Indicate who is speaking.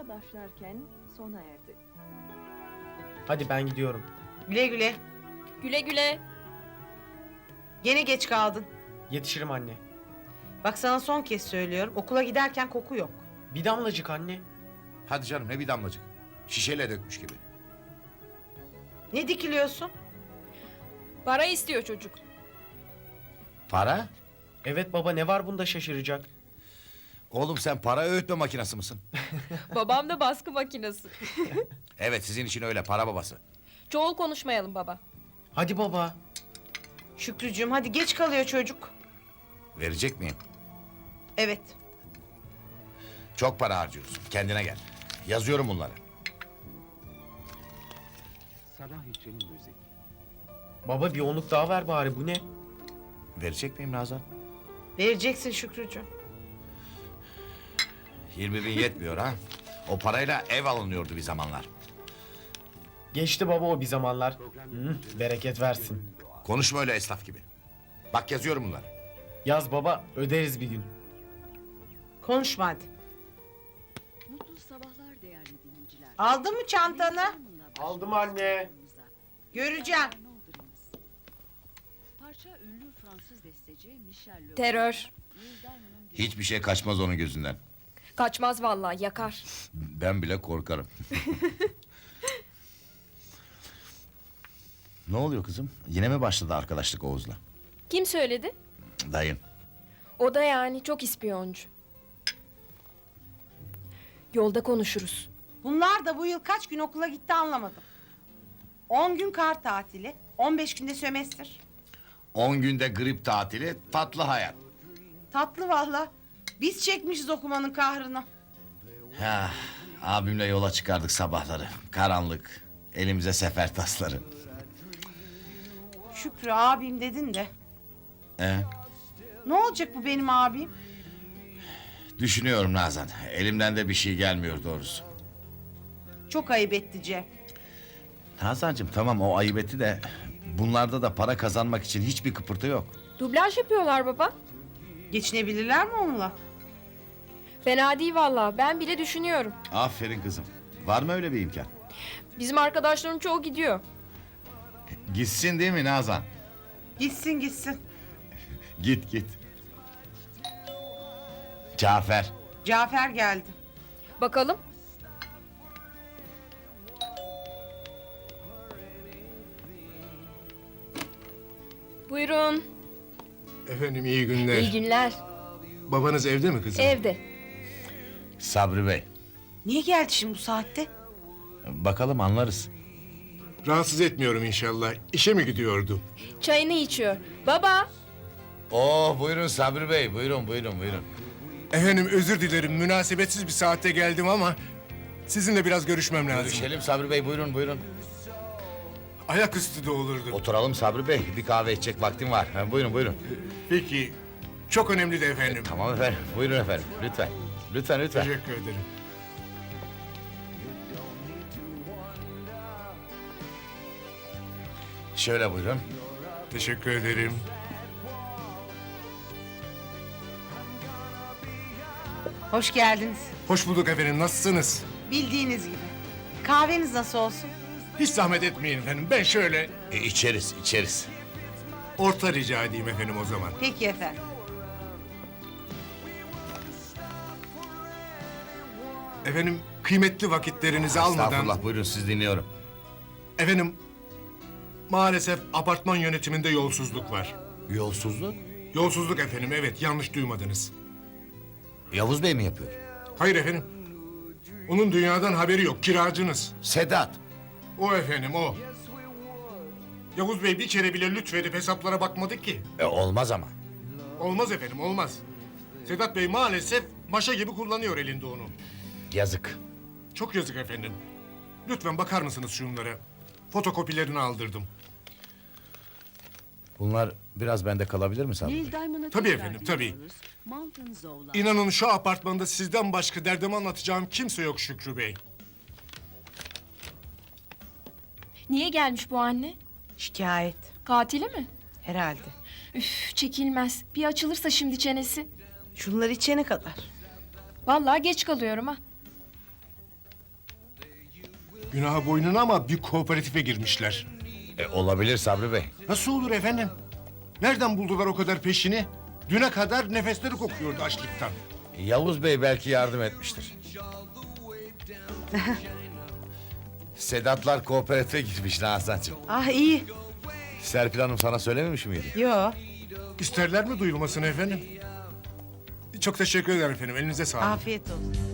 Speaker 1: başlarken sona erdi.
Speaker 2: Hadi ben gidiyorum.
Speaker 3: Güle güle.
Speaker 4: Güle güle.
Speaker 3: Gene geç kaldın.
Speaker 2: Yetişirim anne.
Speaker 3: Bak sana son kez söylüyorum. Okula giderken koku yok.
Speaker 2: Bir damlacık anne.
Speaker 5: Hadi canım ne bir damlacık. Şişeyle dökmüş gibi.
Speaker 3: Ne dikiliyorsun?
Speaker 4: Para istiyor çocuk.
Speaker 5: Para?
Speaker 2: Evet baba, ne var bunda şaşıracak?
Speaker 5: Oğlum sen para öğütme makinesi misin?
Speaker 4: Babam da baskı makinesi.
Speaker 5: Evet sizin için öyle para babası.
Speaker 4: Çoğul konuşmayalım baba.
Speaker 2: Hadi baba.
Speaker 3: Şükrücüğüm hadi geç kalıyor çocuk.
Speaker 5: Verecek miyim?
Speaker 3: Evet.
Speaker 5: Çok para harcıyorsun. Kendine gel. Yazıyorum bunları.
Speaker 6: Sabah için müzik.
Speaker 2: Baba bir onluk daha ver bari, bu ne?
Speaker 5: Verecek miyim Nazan?
Speaker 3: Vereceksin Şükrücüğüm.
Speaker 5: 20 bin yetmiyor ha. O parayla ev alınıyordu bir zamanlar.
Speaker 2: Geçti baba o bir zamanlar. Bereket versin.
Speaker 5: Konuşma öyle esnaf gibi. Bak yazıyorum bunları.
Speaker 2: Yaz baba, öderiz bir gün.
Speaker 3: Konuşma hadi.
Speaker 1: Mutlu sabahlar değerli dinleyiciler.
Speaker 3: Aldın mı çantanı?
Speaker 2: Aldım anne.
Speaker 3: Göreceğim.
Speaker 1: Parça ünlü Fransız besteci Michel Legrand.
Speaker 4: Terör.
Speaker 1: Neil Diamond'ın
Speaker 5: Hiçbir şey kaçmaz onun gözünden.
Speaker 4: Kaçmaz vallahi, yakar.
Speaker 5: Ben bile korkarım. Ne oluyor kızım? Yine mi başladı arkadaşlık Oğuz'la?
Speaker 4: Kim söyledi?
Speaker 5: Dayın.
Speaker 4: O da yani çok ispiyoncu. Yolda konuşuruz.
Speaker 3: Bunlar da bu yıl kaç gün okula gitti anlamadım. 10 gün kar tatili, 15 günde sömestr.
Speaker 5: 10 günde grip tatili, tatlı hayat.
Speaker 3: Tatlı valla. Biz çekmişiz okumanın kahrını.
Speaker 5: Ha, abimle yola çıkardık sabahları. Karanlık, elimize sefer tasları.
Speaker 3: Şükrü abim dedin de.
Speaker 5: Ee,
Speaker 3: Ne olacak bu benim abim?
Speaker 5: düşünüyorum Nazan. Elimden de bir şey gelmiyor doğrusu.
Speaker 3: Çok ayıp etti Cem.
Speaker 5: Nazancığım tamam o ayıp etti de... bunlarda da para kazanmak için hiçbir kıpırtı yok.
Speaker 4: Dublaj yapıyorlar baba.
Speaker 3: Geçinebilirler mi onunla?
Speaker 4: Fena değil vallahi, ben bile düşünüyorum.
Speaker 5: Aferin kızım. Var mı öyle bir imkan?
Speaker 4: Bizim arkadaşların çoğu gidiyor.
Speaker 5: Gitsin değil mi Nazan?
Speaker 3: Gitsin gitsin.
Speaker 5: Git git. Cafer.
Speaker 3: Cafer geldi.
Speaker 4: Bakalım. Buyurun.
Speaker 7: Efendim iyi günler.
Speaker 4: İyi günler.
Speaker 7: Babanız evde mi kızım?
Speaker 4: Evde.
Speaker 5: Sabri Bey.
Speaker 3: Niye geldi şimdi bu saatte?
Speaker 5: Bakalım anlarız.
Speaker 7: Rahatsız etmiyorum inşallah. İşe mi gidiyordu?
Speaker 4: Çayını içiyor. Baba.
Speaker 5: Buyurun Sabri Bey. Buyurun.
Speaker 7: Efendim özür dilerim. Münasebetsiz bir saatte geldim ama... ...sizinle biraz görüşmem lazım.
Speaker 5: Görüşelim Sabri Bey. Buyurun.
Speaker 7: Ayaküstü de olurdu.
Speaker 5: Oturalım Sabri Bey. Bir kahve içecek vaktim var. Buyurun.
Speaker 7: Peki. Çok önemli de efendim.
Speaker 5: Tamam efendim. Buyurun efendim. Lütfen.
Speaker 7: Teşekkür ederim.
Speaker 5: Şöyle buyurun.
Speaker 7: Teşekkür ederim.
Speaker 3: Hoş geldiniz.
Speaker 7: Hoş bulduk efendim. Nasılsınız?
Speaker 3: Bildiğiniz gibi. Kahveniz nasıl olsun?
Speaker 7: Hiç zahmet etmeyin efendim. Ben şöyle
Speaker 5: İçeriz.
Speaker 7: orta rica edeyim efendim o zaman.
Speaker 3: Peki efendim.
Speaker 7: Efendim kıymetli vakitlerinizi almadan...
Speaker 5: Estağfurullah buyurun siz dinliyorum.
Speaker 7: Efendim maalesef apartman yönetiminde yolsuzluk var.
Speaker 5: Yolsuzluk?
Speaker 7: Yolsuzluk efendim, evet, yanlış duymadınız.
Speaker 5: Yavuz Bey mi yapıyor?
Speaker 7: Hayır efendim. Onun dünyadan haberi yok, kiracınız.
Speaker 5: Sedat.
Speaker 7: O efendim, o. Yavuz Bey bir kere bile lütfedip hesaplara bakmadı ki.
Speaker 5: Olmaz ama.
Speaker 7: Olmaz efendim, olmaz. Sedat Bey maalesef maşa gibi kullanıyor elinde onu.
Speaker 5: Yazık.
Speaker 7: Çok yazık efendim. Lütfen bakar mısınız şunlara? Fotokopilerini aldırdım.
Speaker 5: Bunlar biraz bende kalabilir mi Sabri Bey?
Speaker 1: Neil Diamond'ı
Speaker 7: Tabii
Speaker 1: tekrar
Speaker 7: efendim, tabii.
Speaker 1: dinliyoruz. Mountains of Love.
Speaker 7: İnanın şu apartmanda sizden başka derdimi anlatacağım kimse yok Şükrü Bey.
Speaker 4: Niye gelmiş bu anne?
Speaker 3: Şikayet.
Speaker 4: Katili mi?
Speaker 3: Herhalde.
Speaker 4: Üf, çekilmez. Bir açılırsa şimdi çenesi.
Speaker 3: Şunları içene kadar.
Speaker 4: Vallahi geç kalıyorum ha.
Speaker 7: Günaha boynuna ama bir kooperatife girmişler.
Speaker 5: Olabilir Sabri Bey.
Speaker 7: Nasıl olur efendim? Nereden buldular o kadar peşini? Düne kadar nefesleri kokuyordu açlıktan.
Speaker 5: Yavuz Bey belki yardım etmiştir. Sedatlar kooperatife girmiş Hasan'cığım.
Speaker 3: Ah iyi.
Speaker 5: Serpil Hanım sana söylememiş miydi?
Speaker 3: Yo.
Speaker 7: İsterler mi duyulmasını efendim? Çok teşekkür ederim efendim. Elinize sağlık.
Speaker 3: Afiyet olsun.